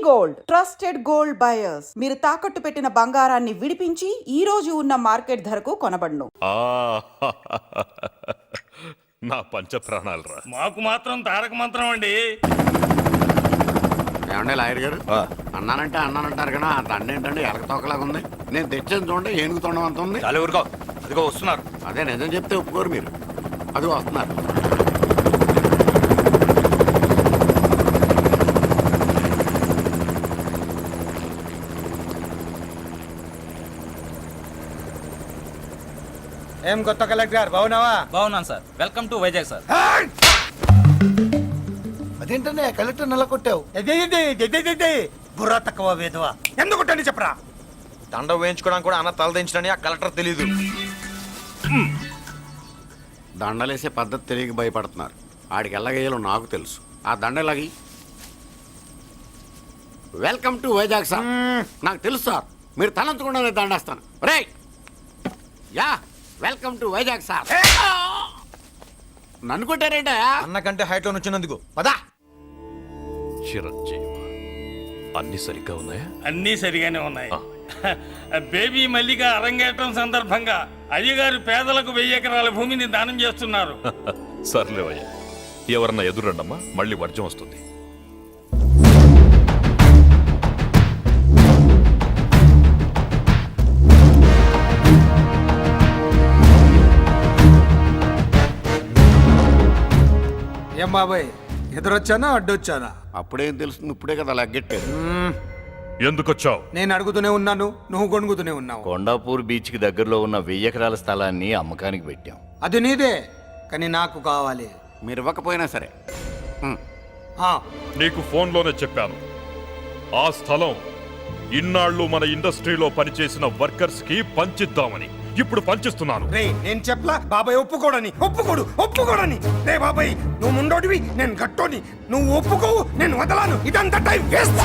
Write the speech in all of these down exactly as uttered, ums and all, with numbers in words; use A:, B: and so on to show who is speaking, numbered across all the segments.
A: Gold trusted gold buyers మీరు తాకట్టు పెట్టిన బంగారాన్ని విడిపించి ఈ రోజు ఉన్న మార్కెట్ ధరకు కొనబడును.
B: నా పంచ ప్రాణాలు రా.
C: మాకు మాత్రం తారక మంత్రం అండి.
D: ఏమండి లాయర్ గారు, అన్నానంటే అన్నానంటారు కదా, ఆ దండ ఏంటంటే ఎలక తోకలాగా ఉంది. నేను తెచ్చేది చూడండి ఏనుగు తొండం అంత ఉంది.
C: చాలా ఊరుకో, అదిగో వస్తున్నారు.
D: అదే నిజం చెప్తే ఒప్పుకోరు మీరు. అదిగో వస్తున్నారు.
E: ఏం కొత్త కలెక్టర్ బాగున్నావా?
F: బాగున్నాను sir. Welcome to Vizag sir.
E: అదేంటనే కలెక్టర్ నెల కొట్టావు? బుర్రా తక్కువ వేదవా, ఎందుకు కొట్టండి చెప్పరా?
G: దండ వేయించుకోవడానికి కూడా అన్న తలదించడని ఆ కలెక్టర్ తెలీదు.
D: దండలేసే పద్ధతి తెలియక భయపడుతున్నారు. ఆడికి ఎలాగేయాలో నాకు తెలుసు. ఆ దండలాగి వెల్కమ్ టు వైజాగ్ సార్. నాకు తెలుసు సార్, మీరు తలంచకుండానే దండేస్తాను. రే యా వెల్కమ్ టు వైజాగ్ సార్. నన్ను కొట్టారేంటా?
G: అన్నకంటే హైట్ లో వచ్చినందుకు పదా.
B: చిరంజీవి అన్ని సరిగ్గా ఉన్నాయా?
C: అన్నీ సరిగానే ఉన్నాయి. బేబీ మల్లిక అరంగేట్రం సందర్భంగా అయ్యగారు పేదలకు వెయ్యి ఎకరాల భూమిని దానం చేస్తున్నారు.
B: సర్లేవయ్యా, ఎవరన్నా ఎదురండమ్మా, మళ్ళీ వర్జం వస్తుంది.
E: ఏం బాబాయ్, ఎదురొచ్చానా అడ్డొచ్చానా?
D: అప్పుడేం తెలుస్తుంది, ఇప్పుడే కదా లగ్గెట్టారు.
B: ఎందుకొచ్చావు?
E: నేను అడుగుతూనే ఉన్నాను, నువ్వు గొణుగుతూనే ఉన్నావు.
H: కొండాపూర్ బీచ్ కి దగ్గరలో ఉన్న వెయ్యి ఎకరాల స్థలాన్ని అమ్మకానికి పెట్టాం.
E: అది నీదే, కానీ నాకు కావాలి.
D: మీరు ఇవ్వకపోయినా సరే. హ్మ్.
E: ఆ,
B: నీకు ఫోన్లోనే చెప్పాను, ఆ స్థలం ఇన్నాళ్ళు మన ఇండస్ట్రీలో పనిచేసిన వర్కర్స్ కి పంచిద్దామని. ఇప్పుడు పంచిస్తున్నాను.
E: రే నేను చెప్పలా బాబాయ్ ఒప్పుకోడని. ఒప్పుకోడు ఒప్పుకోడని. రే బాబాయ్, నువ్వు ముండోడివి, నేను గట్టోని. నువ్వు ఒప్పుకోవు, నేను వదలాను. ఇదంతా టైం వేస్ట్.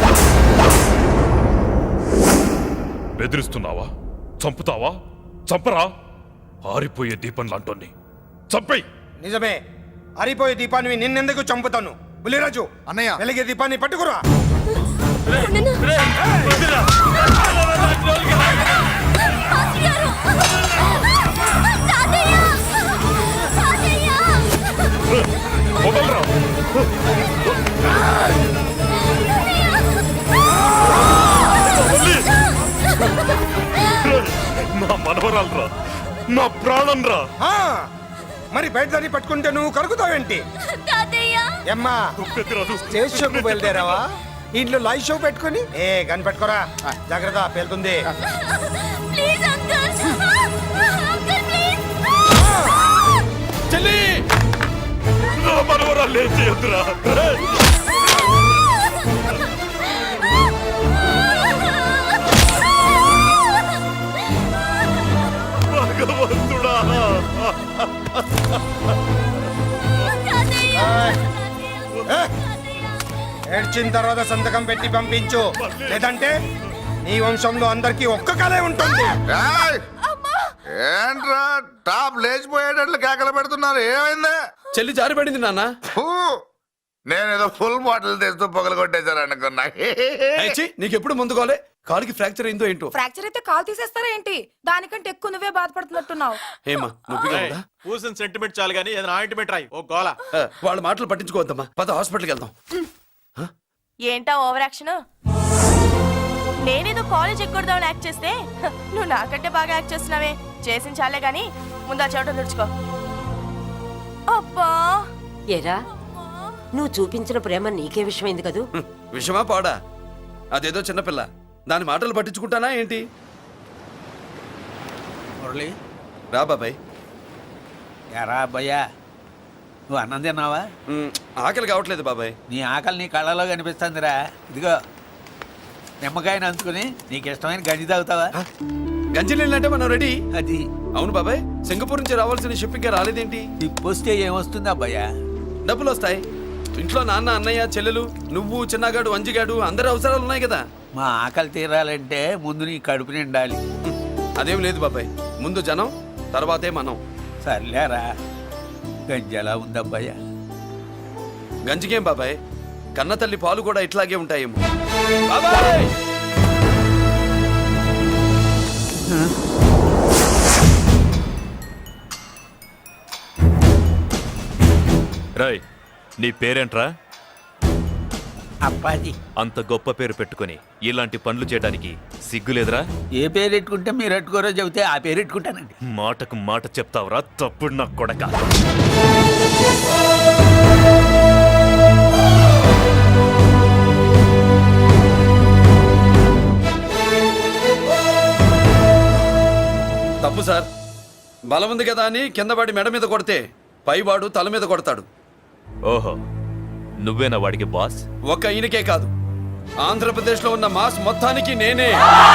B: బెదిరిస్తున్నావా? చంపుతావా? చంపరా? ఆరిపోయే దీపం లాంటోని చంపేయ్.
E: నిజమే, అరిపోయే దీపాన్ని నిన్నెందుకు చంపుతాను? బుల్లిరాజు
G: అన్నయ్య,
E: వెలిగే దీపాన్ని పట్టుకురా.
B: వదలరా. నా మనవరాలరా, నా ప్రాణం రా.
E: ఆ, మరి బయట దాన్ని పట్టుకుంటే నువ్వు కలుగుతావేంటి? అమ్మా స్టేజ్ షోకు బయలుదేరావా? ఇంట్లో లైవ్ షో పెట్టుకుని ఏ గన్ పెట్టుకోరా, జాగ్రత్త పేలుతుంది.
B: చెల్లి, నా మనవరాలు ఏం చేయొద్దురా. భగవంతుడా,
E: ఏడ్చిన తర్వాత సంతకం పెట్టి పంపించు, లేదంటే నీ వంశంలో అందరికి ఒక్క కలే ఉంటుంది.
G: ఏంట్రా టాప్ లేచిపోయేటట్లు కేకలు పెడుతున్నారు? ఏమైంది?
I: చెల్లి జారిపడింది నాన్న.
G: నేనేదో ఫుల్ బాటిల్ తెస్తూ పొగలు కొట్టేశారు అనుకున్నా.
I: నీకెప్పుడు ముందుకోలే, కాలుకి ఫ్రాక్చర్ అయిందో ఏంటో.
J: ఫ్రాక్చర్ అయితే కాల్ తీసేస్తారా ఏంటి? దానికంటే ఎక్కువ నువ్వే బాధపడుతున్నట్టున్నావు.
I: ఏమా నొప్పిగా ఉందా?
G: పూసిన సెంటిమెంట్ చాలు గానీ ఏదైనా ఆయింట్మెంట్ రాయి. ఓ గోల.
I: వాళ్ళ మాటలు పట్టించుకోవద్దమ్మా, పద హాస్పిటల్కి వెళ్దాం.
J: ఏంటా ఓవర్ యాక్షన్? నేనేదో కాలేజ్ ఎక్కడదామని యాక్ట్ చేస్తే నువ్వు నాకంటే బాగా యాక్ట్ చేస్తున్నావే. చేసిన చాలే గాని ముందు ఆ చోట తుడుచుకో. అబ్బా,
K: ఏరా నువ్వు చూపించిన ప్రేమ నీకే విషయమైంది కదూ?
I: విషమా పాడా? అదేదో చిన్నపిల్ల, దాని మాటలు పట్టించుకుంటానా ఏంటి?
E: మురళి
I: రా బాబాయ్.
E: ఎరా అబ్బయ్యా, నువ్వు అన్నం తిన్నావా?
I: మ్, ఆకలి కావట్లేదు బాబాయ్.
E: నీ ఆకలి నీ కళ్ళలో కనిపిస్తుందిరా. ఇదిగో నిమ్మకాయని అంచుకుని నీకు ఇష్టమైన గంజి తాగుతావా?
I: గంజి నీళ్ళంటే మనం రెడీ.
E: అది
I: అవును బాబాయ్, సింగపూర్ నుంచి రావాల్సిన షిప్ ఇంకా రాలేదేంటి?
E: తిప్పొస్తే ఏమొస్తుంది అబ్బయ్యా?
I: డబ్బులు వస్తాయి. ఇంట్లో నాన్న, అన్నయ్య, చెల్లెలు, నువ్వు, చిన్నగాడు, అంజిగాడు అందరి అవసరాలు ఉన్నాయి కదా.
E: మా ఆకలి తీరాలంటే ముందు నీ కడుపు నిండాలి.
I: అదేం లేదు బాబాయ్, ముందు జనం తర్వాతే మనం.
E: సర్లేరా, గంజి ఎలా ఉందబ్బయ్యా?
I: గంజికేం బాబాయ్, కన్న తల్లి పాలు కూడా ఇట్లాగే ఉంటాయేమో. బాబాయ్
B: రాయ్, నీ పేరేంట్రా?
E: అప్పాజీ.
B: అంత గొప్ప పేరు పెట్టుకొని ఇలాంటి పనులు చేయడానికి సిగ్గులేదురా?
E: ఏ పేరు పెట్టుకుంటే మీరు పెట్టుకోరో చెబితే ఆ పేరు పెట్టుకుంటానండి.
B: మాటకు మాట చెప్తావురా తప్పుడు నా కొడక.
I: తప్పు సార్. బలం ఉంది కదా అని కింద పడి మెడ మీద కొడితే పైవాడు తల మీద కొడతాడు.
B: ఓహో, నువ్వేనా వాడికి బాస్?
I: ఒక్క ఈయనకే కాదు, ఆంధ్రప్రదేశ్ లో ఉన్న మాస్ మొత్తానికి నేనే.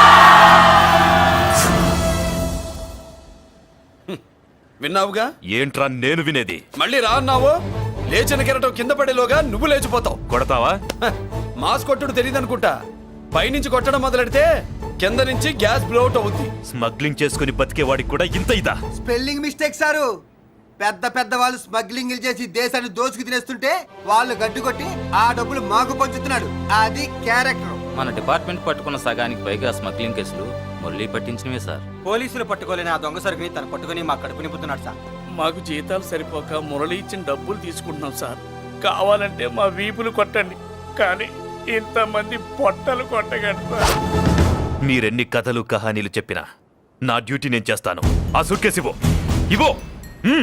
I: హ్మ్. విన్నావుగా?
B: ఏంట్రా నేను వినేది?
I: మళ్ళీ రా అన్నావు, లేచిన కెరటం కింద పడేలోగా నువ్వు లేచిపోతావు.
B: కొడతావా?
I: హ, మాస్ కొట్టుడు తెలియదనుకుంటా. పైనుంచి కొట్టడం మొదలెడితే కింద నుంచి గ్యాస్ బ్లౌట్ అవుద్ది.
B: స్మగ్లింగ్ చేసుకుని బతికే వాడికి కూడా ఇంత ఇదా?
E: Spelling mistake sir. పెద్ద పెద్ద వాళ్ళు స్మగ్లింగ్ చేసి దేశాన్ని దోచుకు తినేస్తుంటే వాళ్ళు గడ్డు కొట్టి ఆ డబ్బులు మాకు పంచుతున్నాడు. అది క్యారెక్టర్.
F: మన డిపార్ట్మెంట్ పట్టుకున్న సగానికి పైగా స్మగ్లింగ్ కేసులు మురళి పట్టించినవే సార్.
E: పోలీసులు పట్టుకోలేని ఆ దొంగ సరుకుని తను పట్టుకుని మా కడుపు నింపుతున్నాడు సార్.
C: మాకు జీతాలు సరిపోక మురళి ఇచ్చిన డబ్బులు తీసుకుంటున్నాం సార్. కావాలంటే మా వీపులు కొట్టండి, కానీ ఇంతమంది పొట్టలు కొట్టగండి సార్.
B: మీరెన్ని కథలు కహానీలు చెప్పినా నా డ్యూటీ నేను చేస్తాను. ఆ సూట్ కేసు ఇవ్వు. ఇవ్వు. మ్మ్.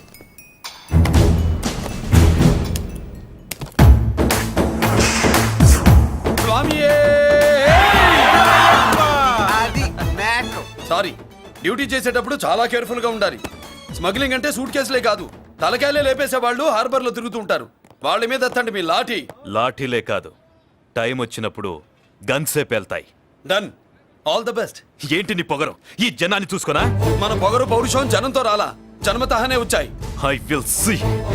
I: స్వామియే!
E: అది మ్యాటర్.
I: సారీ, డ్యూటీ చేసేటప్పుడు చాలా కేర్ఫుల్ గా ఉండాలి. స్మగ్లింగ్ అంటే సూట్ కేసులే కాదు, తలకాయలే లేపేసే వాళ్ళు హార్బర్ లో తిరుగుతూ ఉంటారు. వాళ్ళ మీద ఎత్తండి మీ లాఠీ.
B: లాఠీలే కాదు, టైం వచ్చినప్పుడు గన్సే పేల్తాయి.
I: డన్. All the best.
B: ఏంటి నీ పొగరు? ఈ జనాన్ని చూసుకోనా?
I: మన పొగరు పౌరుషం జనంతో రాలా, జన్మతహనే వచ్చాయి.
B: I will see.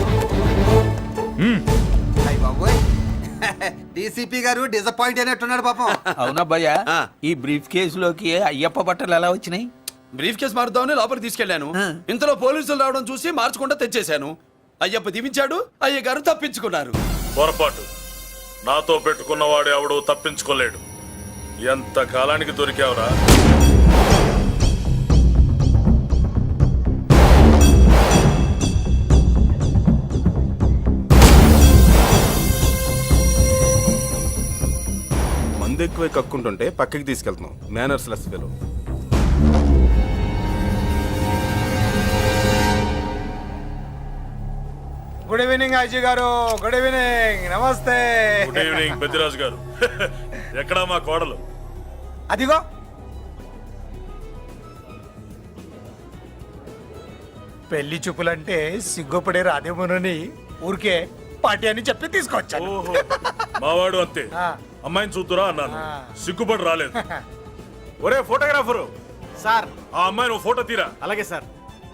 E: అయ్య బాబోయ్, డీసీపీ గారు డిసప్పాయింట్ అయినట్టున్నాడు పాపం. అవునా భయ్యా,
I: ఆ.
E: ఈ బ్రీఫ్ కేసులోకి అయ్యప్ప బట్టలు ఎలా వచ్చినాయి?
I: బ్రీఫ్ కేసు మారుద్దామని లోపలికి తీసుకెళ్లాను. ఇంతలో పోలీసులు రావడం చూసి మార్చకుండా తెచ్చేశాను. అయ్యప్ప దీవించాడు, అయ్య గారు తప్పించుకున్నారు.
B: పొరపాటు. నాతో పెట్టుకున్నవాడు ఎవడు తప్పించుకోలేడు. ఎంత కాలానికి దొరికావురా?
L: మందు ఎక్కువ కక్కుంటుంటే పక్కకి తీసుకెళ్తున్నాం. Manners less fellow.
E: Good evening Ajay గారు. Good evening. నమస్తే.
B: గుడ్ ఈవినింగ్ పెద్దిరాజు గారు. ఎక్కడా మా కోడలు?
E: అదిగో పెళ్లి చూపులంటే సిగ్గుపడే రాదేమోనని ఊరికే పార్టీ అని చెప్పి తీసుకొచ్చాను.
B: ఓహో, మావాడు అంతే.
E: ఆ.
B: అమ్మాయిని చూద్దురా అన్నాను,
E: ఆ.
B: సిగ్గుపడి రాలేదు. ఒరే ఫోటోగ్రాఫరు,
E: సార్
B: ఆ అమ్మాయిని ఓ ఫోటో తీరా.
E: అలాగే సార్.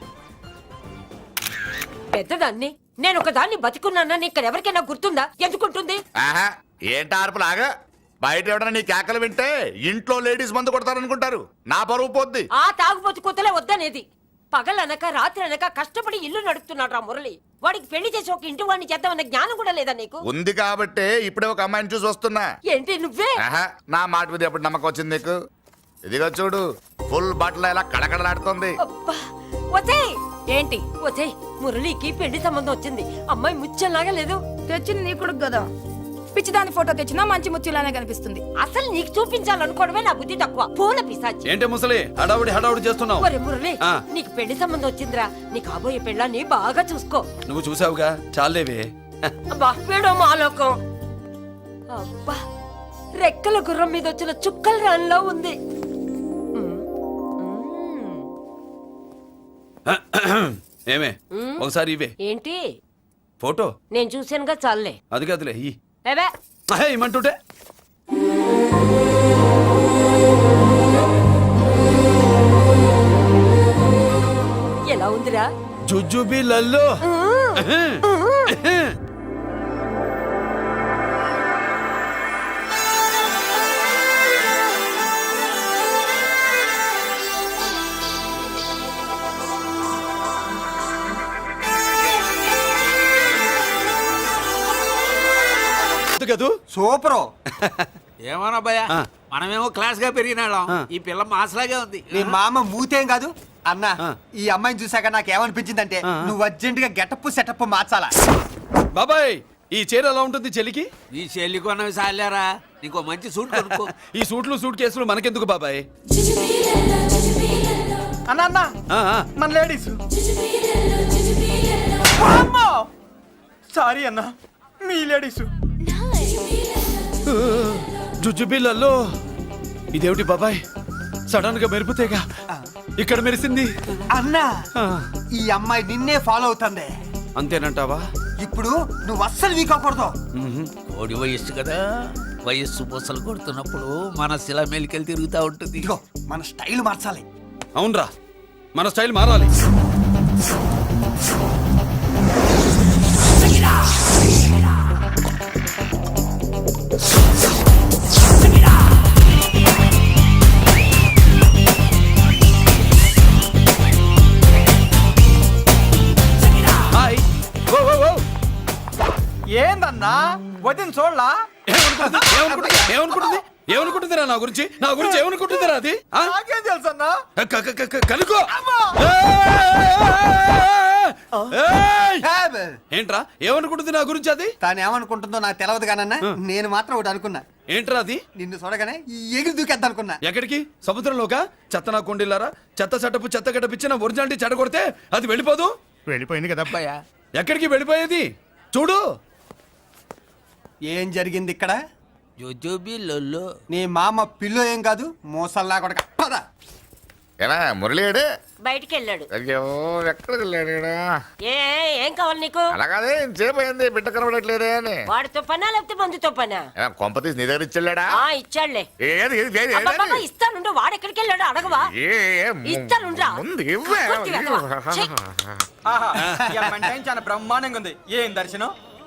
K: పెద్దదాన్ని నేను ఒక దాన్ని బతికున్నానని ఇక్కడ ఎవరికైనా గుర్తుందా? ఎందుకుంటుంది?
G: ఆహా, ఏంటి ఆర్పులాగా? బయట ఎవడన్నా నీ కేకలు వింటే ఇంట్లో లేడీస్ మందు కొడతారనుకుంటారు. నా పరువు పోద్ది.
K: ఆ తాగుబోతు కొత్తలే వద్దనేది. పగలనక రాత్రి అనక కష్టపడి ఇల్లు నడుపుతున్నాడు రా మురళి. వాడికి పెళ్లి చేసి ఒక ఇంటి వాడిని చేద్దామన్న జ్ఞానం కూడా లేదా నీకు?
G: ఉంది కాబట్టే ఇప్పుడే ఒక అమ్మాయిని చూసి వస్తున్నా.
K: ఏంటి నువ్వే?
G: ఆహా, నా మాట మీద ఎప్పుడు నమ్మకం వచ్చింది నీకు? ఇదిగో చూడు, ఫుల్ బట్టలు ఎలా కడకడలాడుతుంది.
K: అబ్బా, వచ్చేయ్. ఏంటి వచ్చేయ్, మురళికి పెళ్లి సంబంధం వచ్చింది. అమ్మాయి ముచ్చల్లాగా లేదు.
J: తెచ్చింది నీ కొడుకు కదా, పిచ్చిదాని ఫోటో తెచ్చినా మంచి ముచ్చిలానే కనిపిస్తుంది.
K: అసలు నీకు చూపించాలనుకోవడమే నా బుద్ధి తక్కువ. పూల పిశాచి.
I: ఏంటి ముసలి హడావుడి హడావుడి చేస్తున్నావు?
K: ఒరే మురళి,
I: ఆ.
K: నీకు పెళ్లి సంబంధం వచ్చిందిరా. నీ కాబోయే పెళ్ళాన్ని బాగా చూసుకో.
I: నువ్వు చూసావుగా, చాలేవే.
K: అబ్బా, వీడో మాలోకం. అబ్బా, రెక్కల గుర్రం మీద వచ్చిన చుక్కల రాన్లో ఉంది.
I: ఏమే, ఒకసారి ఇవే
K: ఏంటి?
I: ఫోటో.
K: నేను చూశానుగా, చాలే.
I: అది కాదులే, ఈ
K: ఏవే
I: అహే, ఇమ్మంటుంటే.
K: ఎలా ఉందిరా?
I: జుజుబి లల్లో. గుర్తు కదూ
E: సూపరు.
D: ఏమోనా భయ్యా
I: ఆ.
D: మనమేమో క్లాస్ గా పెరిగినాళ్ళం
I: ఆ.
D: ఈ పిల్ల మాసలాగే ఉంది.
E: మీ మామ మూతేం కాదు అన్న.
I: ఆ.
E: ఈ అమ్మాయిని చూసాక నాకు ఏమనిపించిందంటే
I: ఆ.
E: నువ్వు అర్జెంట్ గా గెటప్ సెటప్ మార్చాలా.
I: బాబాయ్ ఈ చీర ఎలా ఉంటుంది చెలికి?
D: ఈ చెల్లి కొన్నవి సాలేరా, నీకు మంచి సూట్ కొనుక్కో.
I: ఈ సూట్లు సూట్ కేసులు మనకెందుకు బాబాయ్?
E: అన్న అన్న
I: ఆ, ఆ.
E: మన లేడీస్. సారీ అన్న, మీ లేడీస్.
I: జుజుబిళ్ళల్లో ఇదేమిటి బాబాయ్, సడన్ గా మెరుపుతేగా ఇక్కడ మెరిసింది.
E: అన్న
I: ఆ,
E: ఈ అమ్మాయి నిన్నే ఫాలో అవుతుంది.
I: అంతేనంటావా?
E: ఇప్పుడు నువ్వు అస్సలు వీక్ అవ్వకూడదు.
D: కోడి వయస్సు కదా, వయస్సు పూసలు కొడుతున్నప్పుడు మన శిల మేలికెళ్ళి తిరుగుతూ ఉంటుంది.
E: ఇదిగో మన స్టైల్ మార్చాలి.
I: అవునరా, మన స్టైల్ మారాలి. హాయ్. ఓ, ఓ, ఓ.
E: ఏందన్నా వదిన చూడలా?
I: ఏమనుకుంటుంది? ఏమనుకుంటుంది? ఏమనుకుంటుంది? ఏమనుకుంటుందిరా నా గురించి? నా గురించి ఏమనుకుంటుందిరా అది? ఆ?
E: నాకేం తెలుసు అన్నా.
I: క- క- క- క- కనుకో. ఏయ్! ఏంట్రా ఏమనుకుంటుంది నా గురించి అది?
E: తాను ఏమనుకుంటుందో నాకు తెలియదు కానన్నా, నేను మాత్రం ఒకటి అనుకున్నా.
I: ఏంట్రా అది?
E: నిన్ను చూడగానే ఎగిరి దూకేద్దాం అనుకున్నా.
I: ఎక్కడికి? సముద్రంలోకా? చెత్త నా కొండిల్లారా, చెత్త చెట్టపు చెత్త గడపిచ్చిన ఒరిజినాలిటీ చెడగొడితే అది వెళ్ళిపోదు.
G: వెళ్ళిపోయింది కదా అబ్బాయా.
I: ఎక్కడికి వెళ్ళిపోయేది? చూడు
E: ఏం జరిగింది ఇక్కడ?
D: జోజోబి లొల్లో
E: నీ మామ పిల్లో ఏం కాదు, మోసల్లా కొడక. పద.
G: ఎలా మురళీడు?
K: బయటికి వెళ్ళాడు.
G: అయ్యో ఎక్కడికి వెళ్ళాడు?
K: ఏ ఏం కావాలి నీకు?
G: అలాగే సేపు అయింది బిడ్డ కనబడట్లేదే అని.
K: వాడితో పనా లేకపోతే మందుతో పనా?
G: ఏం కొంప తీసి నీ దగ్గర ఇచ్చాడా?
K: ఆ ఇచ్చాడులే.
G: ఏది ఏది ఏది
K: అబ్బబ్బబ్బ, ఇస్తానుండు. వాడు ఎక్కడికి వెళ్ళాడు అడగవా?
G: ఏ ఏ ము-
K: ఇస్తానుండ్రా.
G: ముందు ఇవ్వే.
K: పూర్తిగా అడగవా? ఛీ.
E: చాలా బ్రహ్మాండంగా ఉంది. ఏం దర్శనం?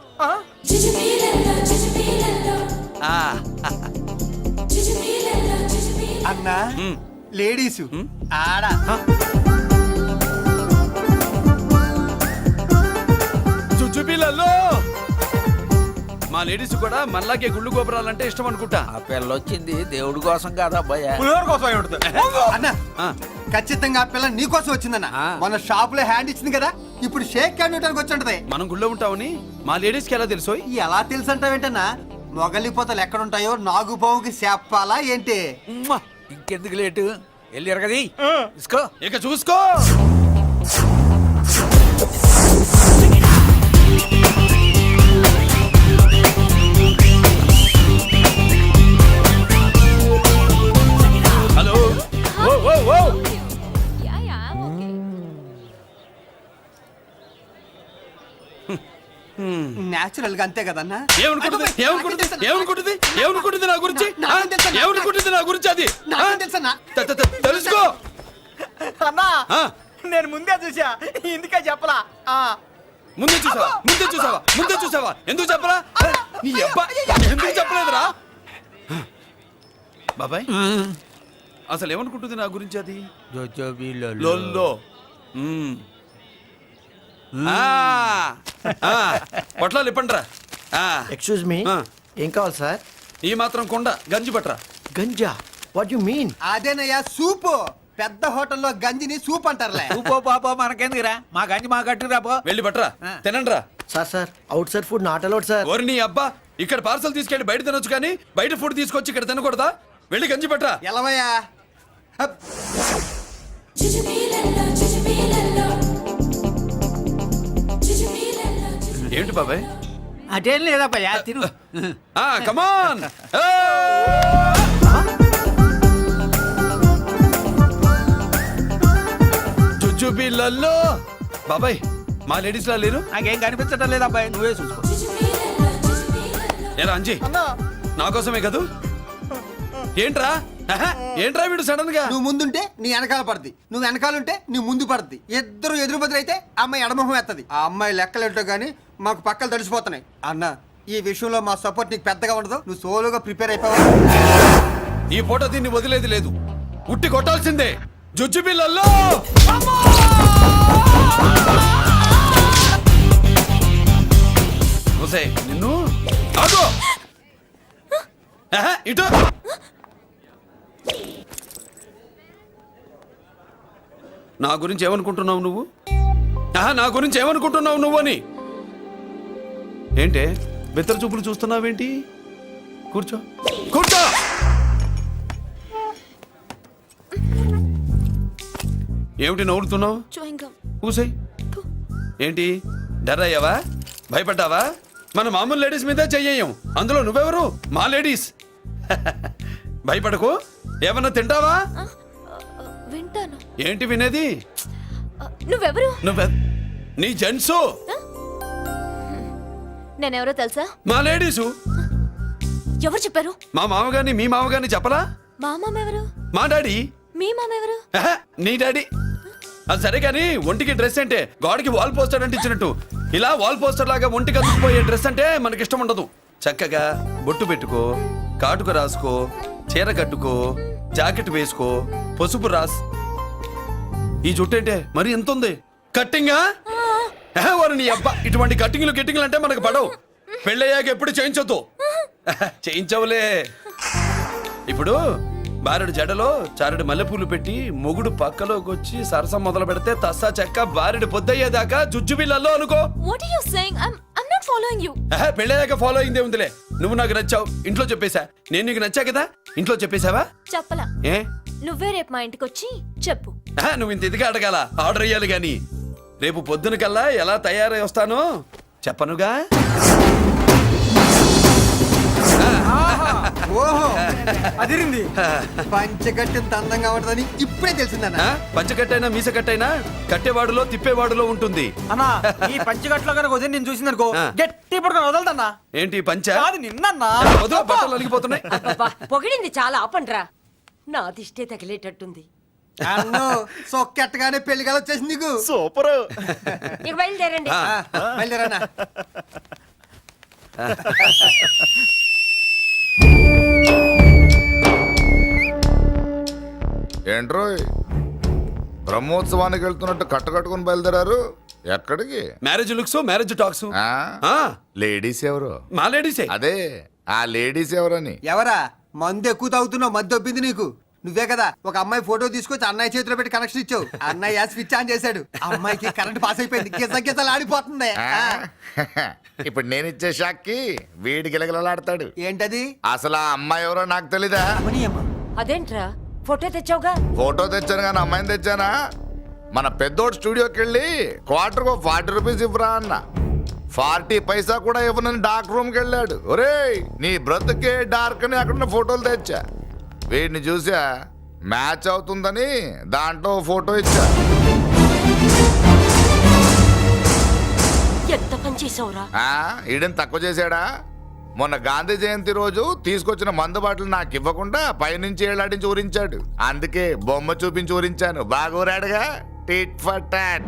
E: అన్నా లేడీసు ఆడ.
I: చుచ్చుపిల్లల్లో మా లేడీస్ కూడా మనలాగే గుళ్ళు గోపురాలంటే ఇష్టం అనుకుంటా.
D: ఆ పిల్ల వచ్చింది దేవుడి కోసం కాదా అబ్బాయా?
E: అన్న
I: ఆ.
E: ఖచ్చితంగా ఆ పిల్ల నీ కోసం వచ్చిందన్న.
D: ఆ.
E: మన షాప్ లో హ్యాండ్ ఇచ్చింది కదా, ఇప్పుడు షేక్ హ్యాండ్ ఇవ్వడానికి వచ్చి ఉంటది.
I: మనం గుళ్ళో ఉంటామని మా లేడీస్ కి ఎలా తెలుసోయ్?
E: ఎలా తెలుసు అంటావేంటన్నా? మొగలిపోతలు ఎక్కడుంటాయో నాగుబావుకి చెప్పాలా ఏంటి?
D: ఉమ్మా, ఇంకెందుకు లేటు, వెళ్ళి ఎరగది ఇసుకో.
I: ఇక చూసుకో. హలో. ఓ, ఓ, ఓ.
E: నేచురల్ గా అంతే కదన్నా.
I: ఏమనుకుంటుంది? ఏమనుకుంటుంది? ఏమనుకుంటుంది? ఏమనుకుంటుంది నా గురించి? ఆ?
E: నాకేం తెలుసన్నా?
I: ఏమనుకుంటుంది నా గురించి అది? ఆ?
E: నాకేం తెలుసన్నా?
I: త- త- త- తెలుసుకో.
E: అన్నా
I: ఆ.
E: నేను ముందే చూసా, ఇందుకే చెప్పలా. ఆ.
I: ముందే చూసావా? ముందే చూసావా? ముందే చూసావా? ఎందుకు చెప్పరా? నీ అబ్బా ఎందుకు చెప్పలేదురా? బాబాయ్ అసలు ఏమనుకుంటుంది నా గురించి అది?
D: జోజోబి
I: లొల్లో. మ్మ్. ఆ. ఆ. పొట్లాలు ఇప్పండ్రా. ఆ.
E: ఎక్స్క్యూజ్ మీ,
I: ఆ.
E: ఏం కావాలి సార్?
I: ఈ మాత్రం కొండ గంజి పట్రా.
E: గంజా? What you mean? అదేనయ్యా సూపు. పెద్ద హోటల్లో గంజిని సూప్ అంటారులే.
D: ఊపో పాపో మనకెందుకురా, మా గంజి మా కట్టురా పో.
I: వెళ్ళి పట్రా, తినండ్రా.
E: Sir sir outside food not allowed sir.
I: ఓరి నీ అబ్బా, ఇక్కడ పార్సల్ తీసుకెళ్ళి బయట తినొచ్చు కానీ బయట ఫుడ్ తీసుకొచ్చి ఇక్కడ తినకూడదా? వెళ్ళి గంజి పట్రా.
E: ఎలవయ్యా. హప్.
I: ఏంటి బాబాయ్?
D: అదేం లేదబ్బా తిను.
I: ఆ కమాన్. జుజుబిళ్ళల్లో బాబాయ్ మా లేడీస్ లా లేరు.
D: నాకేం కనిపించడం లేదబ్బాయి, నువ్వే చూసుకో.
I: ఏరా అంజీ, నా కోసమే కదూ? ఏంట్రా ఆహా, ఏంట్రా వీడు సడన్ గా?
E: నువ్వు ముందుంటే నీ వెనకాల పడుద్ది, నువ్వు వెనకాలంటే నీ ముందు పడుద్ది. ఇద్దరు ఎదురు బదులైతే అమ్మాయి ఎడమొహం ఎత్తది. ఆ అమ్మాయి లెక్కలేంటో గానీ మాకు పక్కలు తడిసిపోతున్నాయి. అన్న ఈ విషయంలో మా సపోర్ట్ నీకు పెద్దగా ఉండదు, నువ్వు సోలోగా ప్రిపేర్ అయిపోవాలి.
I: ఈ పూట దీన్ని వదిలేది లేదు, ఉట్టి కొట్టాల్సిందే. జుజుబిళ్ళల్లో నిన్ను ఆగో. ఆహా, ఇటు నా గురించి ఏమనుకుంటున్నావు నువ్వు ఆహా, నా గురించి ఏమనుకుంటున్నావు నువ్వు అని ఏంటే బిత్తర చూపులు చూస్తున్నావేంటి కూర్చో కూర్చో ఏమిటి నవ్వుతున్నావు కూసాయి ఏంటి డర్ అయ్యావా భయపడ్డావా మన మామూలు లేడీస్ మీద చెయ్యం అందులో నువ్వెవరు మా లేడీస్ భయపడకు ఏమన్నా తింటావా
J: వింటాను.
I: ఏంటి వినేది
J: నువ్వెవరు?
I: నువ్వె నీ జెంట్సు
J: నేనెవరో తెలుసా?
I: మా లేడీసు
J: ఎవరు చెప్పారు?
I: మా మామగారిని మీ మామగారిని చెప్పలా
J: మా మామ ఎవరు?
I: మా డాడీ
J: మీ మామ ఎవరు?
I: ఆహా, నీ డాడీ అది సరే కానీ ఒంటికి డ్రెస్ అంటే గోడకి వాల్ పోస్టర్ అంటే ఇచ్చినట్టు ఇలా వాల్ పోస్టర్ లాగా ఒంటికి అందుకుపోయే డ్రెస్ అంటే మనకి ఇష్టం ఉండదు. చక్కగా బొట్టు పెట్టుకో, కాటుక రాసుకో, చీర కట్టుకో, జాకెట్ వేసుకో, పసుపు రాస్. ఈ జుట్టు అంటే మరి ఎంత ఉంది కట్టింగా వారు నీ అబ్బా ఇటువంటి కట్టింగ్లు గిట్టింగ్లు అంటే మనకు పడవు. పెళ్ళయ్యాక ఎప్పుడు చేయించొద్దు. చేయించవులే. ఇప్పుడు బారెడు జడలో చారెడు మల్లెపూలు పెట్టి మొగుడు పక్కలోకి వచ్చి సరసం మొదలు పెడితే తస్సా చెక్క బారెడు పొద్దయ్యేదాకా జుజ్జు బిళ్ళల్లో అనుకో.
J: What are you saying? I'm I'm not following you.
I: ఆహా, పెళ్ళయ్యాక ఫాలో అయిందే ఉందిలే. నువ్వు నాకు నచ్చావు ఇంట్లో చెప్పేశా, నేను నీకు నచ్చా కదా ఇంట్లో చెప్పేశావా?
J: చెప్పలా.
I: ఏ
J: నువ్వే రేపు మా ఇంటికి వచ్చి చెప్పు.
I: ఆహా, నువ్వు ఇంత ఇదిగా అడగాల ఆర్డర్ అయ్యాలి గాని రేపు పొద్దున కల్లా ఎలా తయారై వస్తానో చెప్పనుగా.
E: ఓహో అదిరింది. పంచగట్టెంత అందంగా ఉంటుందని ఇప్పుడే తెలిసిందన్న.
I: ఆ, పంచకట్టైనా మీసకట్టైనా కట్టేవాడులో తిప్పేవాడులో ఉంటుంది.
E: అన్నా ఈ పంచగట్లో కనుక వదిలి నేను చూసిందనుకో
I: ఆ.
E: గట్టి పడుకొని వదలదన్నా.
I: ఏంటి పంచ
E: కాదు నిన్నన్నా.
I: వదిలో బట్టలు అలిగిపోతున్నాయి.
K: అబ్బబ్బా, పొగిడింది చాలా ఆపండ్రా. నా దిష్టే తగిలేటట్టుంది.
E: అన్ను సొక్కెట్టగానే పెళ్లి కల వచ్చేసింది నీకు.
L: సూపర్.
K: ఇక బయలుదేరండి.
I: ఆ,
E: బయలుదేరన్నా.
G: ఏంట్రోయ్ బ్రహ్మోత్సవానికి వెళ్తున్నట్టు కట్టకట్టుకుని బయలుదేరారు ఎక్కడికి?
I: Marriage looks marriage talks.
G: ఆ?
I: ఆ,
G: లేడీస్ ఎవరు?
I: మా లేడీసే.
G: అదే ఆ లేడీస్ ఎవరని.
E: ఎవరా మందు ఎక్కువ తాగుతున్నావు? మధ్య దొబ్బింది నీకు. నువ్వే కదా ఒక అమ్మాయి ఫోటో తీసుకొచ్చి అన్నయ్య చేతిలో పెట్టి కనెక్షన్ ఇచ్చావు. అన్నయ్య స్విచ్ ఆన్ చేశాడు. అమ్మాయికి కరెంట్ పాస్ అయిపోయింది. గిజ గిజలు ఆడిపోతుంది.
G: ఆ? ఇప్పుడు నేను ఇచ్చే షాక్కి వీడి గిలగిలలాడతాడు.
E: ఏంటది?
G: అసలు ఆ అమ్మాయి ఎవరో నాకు తెలీదా?
K: అదేంట్రా ఫోటో తెచ్చావుగా?
G: ఫోటో తెచ్చాను కానీ అమ్మాయిని తెచ్చానా? మన పెద్దోడు స్టూడియోకి వెళ్ళి క్వార్టర్ ఫార్టీ రూపీస్ ఇవ్వరా అన్న. ఫార్టీ పైసా కూడా ఇవ్వనని డార్క్ రూమ్కి వెళ్ళాడు. ఒరేయ్ నీ బ్రతుకే డార్క్ అని అక్కడ ఫోటోలు తెచ్చా. వీడిని చూసా మ్యాచ్ అవుతుందని దాంట్లో ఫోటో ఇచ్చా.
K: ఎంత పని చేసావురా?
G: ఆ, ఈడని తక్కువ చేశాడా? మొన్న గాంధీ జయంతి రోజు తీసుకొచ్చిన మందు బాటలు నాకు ఇవ్వకుండా పైనుంచి ఏళ్ళాడించి ఊరించాడు. అందుకే బొమ్మ చూపించి ఊరించాను. బాగా ఊరాడుగా. Tit for tat.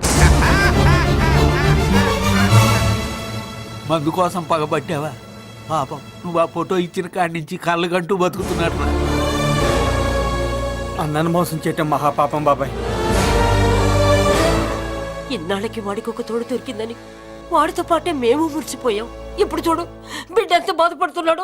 C: మందు కోసం పగబట్టావా? పాపం నువ్వు ఆ ఫోటో ఇచ్చిన కాడి నుంచి కళ్ళు గంటూ బతుకుతున్నాడు. అన్నను మోసం చేయటం మహాపాపం బాబాయ్.
K: ఇన్నాళ్ళకి వాడికి ఒక తోడు దొరికిందని వాడితో పాటే మేము మురిసిపోయాం. ఇప్పుడు చూడు బిడ్డ ఎంత బాధపడుతున్నాడో.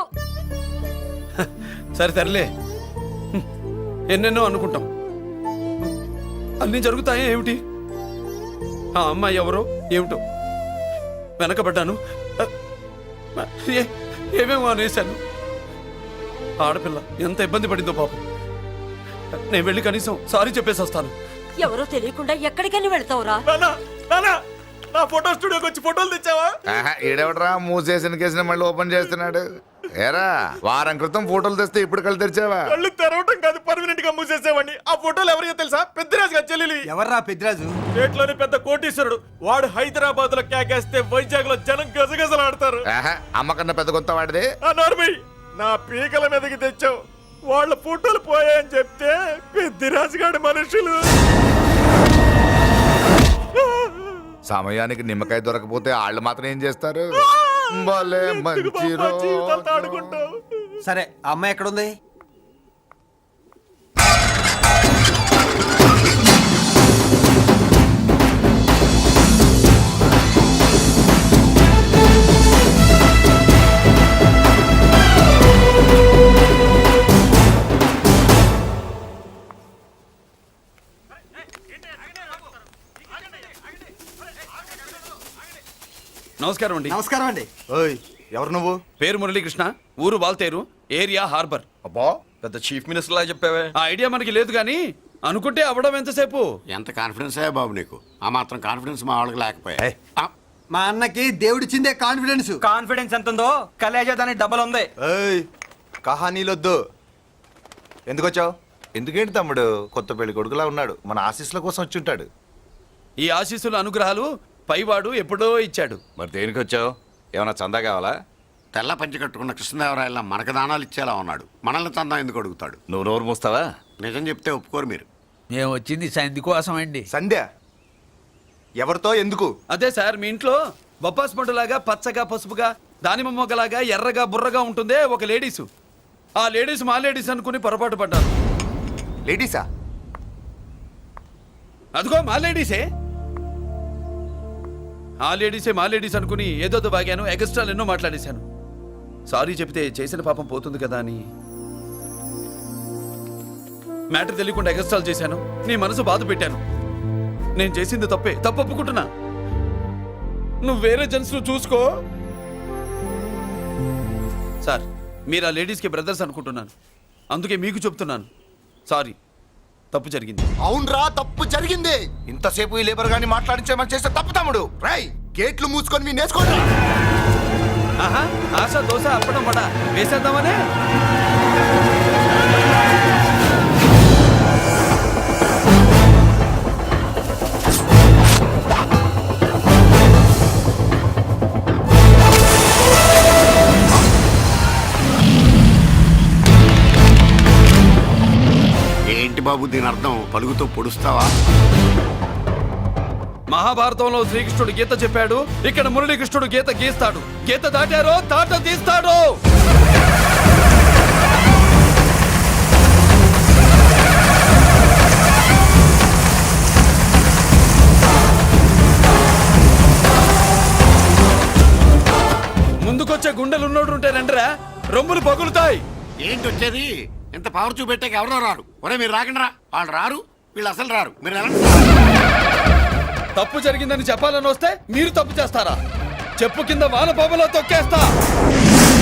I: సరే తరలే, ఎన్నెన్నో అనుకుంటాం, అన్నీ జరుగుతాయా ఏమిటి? ఆ అమ్మాయి ఎవరో ఏమిటో వెనకబడ్డాను. ఏ- ఏమేమో అనేశాను. ఆడపిల్ల ఎంత ఇబ్బంది పడిందో పాపం. నేను వెళ్ళి కనీసం సారీ చెప్పేసి వస్తాను.
K: ఎవరో తెలియకుండా ఎక్కడికని వెళ్తావురా?
I: నా ఫోటో స్టూడియోకి వచ్చి ఫోటోలు తెచ్చావా?
G: ఆహా, ఈడెవడరా మూసేసిన కేసుని మళ్ళీ ఓపెన్ చేస్తున్నాడు. ఏరా వారం క్రితం ఫోటోలు తెస్తే ఇప్పుడు కళ్ళు తెరిచావా?
I: కళ్ళు తెరవటం కాదు, పర్మనెంట్ గా మూసేసేవాడిని. ఆ ఫోటోలు ఎవరికో తెలుసా? పెద్దరాజు గారి చెల్లెలి.
E: ఎవర్రా పెద్దరాజు?
I: స్టేట్లోని పెద్ద కోటీశ్వరుడు. వాడు హైదరాబాద్ లో కేకేస్తే వైజాగ్ లో జనం గజగజలాడతారు.
G: ఆహా, అమ్మకన్నా పెద్ద కొత్త వాడిది.
I: ఆ నార్మల్ నా పీకల మీదకి తెచ్చావు. వాళ్ళ ఫోటోలు పోయాయని చెప్తే పెద్దిరాజు గారి మనుషులు.
G: సమయానికి నిమ్మకాయ దొరకపోతే వాళ్ళు మాత్రం ఏం చేస్తారు? భలే మంచి రోజు.
E: సరే అమ్మాయి ఎక్కడుంది?
I: నమస్కారం అండి.
E: నమస్కారం అండి.
L: ఓయ్ ఎవరు నువ్వు?
I: పేరు మురళీకృష్ణ, ఊరు వాల్తేరు, ఏరియా హార్బర్.
L: అబ్బా పెద్ద చీఫ్ మినిస్టర్ లాగా చెప్పావే.
I: ఆ ఐడియా మనకి లేదు కానీ అనుకుంటే అవ్వడం ఎంతసేపు.
D: ఎంత కాన్ఫిడెన్స్ అయ్యా బాబు నీకు? ఆ మాత్రం కాన్ఫిడెన్స్ మా వాళ్ళకి లేకపోయా.
L: ఏయ్.
D: ఆ,
E: మా అన్నకి దేవుడిచ్చిందే కాన్ఫిడెన్స్.
C: కాన్ఫిడెన్స్ ఎంత ఉందో కలేజా దానికి డబల్ ఉంది.
L: ఏయ్ కహానీలొద్దు. ఎందుకు వచ్చావు? ఎందుకేంటి తమ్ముడు కొత్త పెళ్లి కొడుకులా ఉన్నాడు, మన ఆశీస్సుల కోసం వచ్చి ఉంటాడు.
I: ఈ ఆశీస్సుల అనుగ్రహాలు పైవాడు ఎప్పుడో ఇచ్చాడు.
H: మరి దేనికి వచ్చావు? ఏమైనా చందా కావాలా?
D: తెల్ల పంచి కట్టుకున్న కృష్ణదేవరాయల మనకు దానాలు ఇచ్చేలా ఉన్నాడు. మనల్ని చందా ఎందుకు అడుగుతాడు?
H: నువ్వు నోరు మూస్తావా?
D: నిజం చెప్తే ఒప్పుకోరు మీరు.
C: మేము వచ్చింది సంధి కోసం అండి.
L: సంధ్య ఎవరితో ఎందుకు?
I: అదే సార్, మీ ఇంట్లో బొప్పాస్ పండులాగా పచ్చగా పసుపుగా దానిమ్మ మొగ్గలాగా ఎర్రగా బుర్రగా ఉంటుందే ఒక లేడీసు. ఆ లేడీస్ మా లేడీస్ అనుకుని పొరపాటు పడ్డాను.
L: లేడీసా?
I: అదిగో మా లేడీసే. ఆ లేడీసే మా లేడీస్ అనుకుని ఏదోదో బాగాను, ఎగస్ట్రాలు ఎన్నో మాట్లాడేశాను. సారీ చెప్తే చేసిన పాపం పోతుంది కదా అని మ్యాటర్ తెలియకుండా ఎగస్ట్రాలు చేశాను. నీ మనసు బాధ పెట్టాను. నేను చేసింది తప్పే, తప్పు ఒప్పుకుంటున్నా. నువ్వు వేరే జెంట్స్ చూసుకో. సార్, మీరు ఆ లేడీస్కి బ్రదర్స్ అనుకుంటున్నాను, అందుకే మీకు చెప్తున్నాను. సారీ, తప్పు జరిగింది.
L: అవునరా తప్పు జరిగింది. ఇంతసేపు ఈ లేబర్ గాని మాట్లాడించేమని చేస్తే తప్పు తమ్ముడు. రై గేట్లు మూసుకొని మీ నేర్చుకోండి.
I: ఆహా, ఆశ దోశ అప్పడం వడ వేసేద్దామనే.
D: ఏంటి బాబు దీని అర్థం? పలుగుతో పొడుస్తావా?
I: మహాభారతంలో శ్రీకృష్ణుడు గీత చెప్పాడు, ఇక్కడ మురళీకృష్ణుడు గీత గీస్తాడు. గీత దాటారో తాట తీస్తాడు. ముందుకొచ్చే గుండెలు ఉన్నోడు ఉంటే రండిరా, రొమ్ములు పగులుతాయి.
D: ఏంటి వచ్చేది? ఇంత పవర్ చూపెట్టాక ఎవరో రారు. ఒరే మీరు రాకండి రా. వాళ్ళు రారు, వీళ్ళు అసలు రారు. మీరు ఎలా?
I: తప్పు జరిగిందని చెప్పాలని వస్తే మీరు తప్పు చేస్తారా? చెప్పు కింద వాన పాపలో తొక్కేస్తా.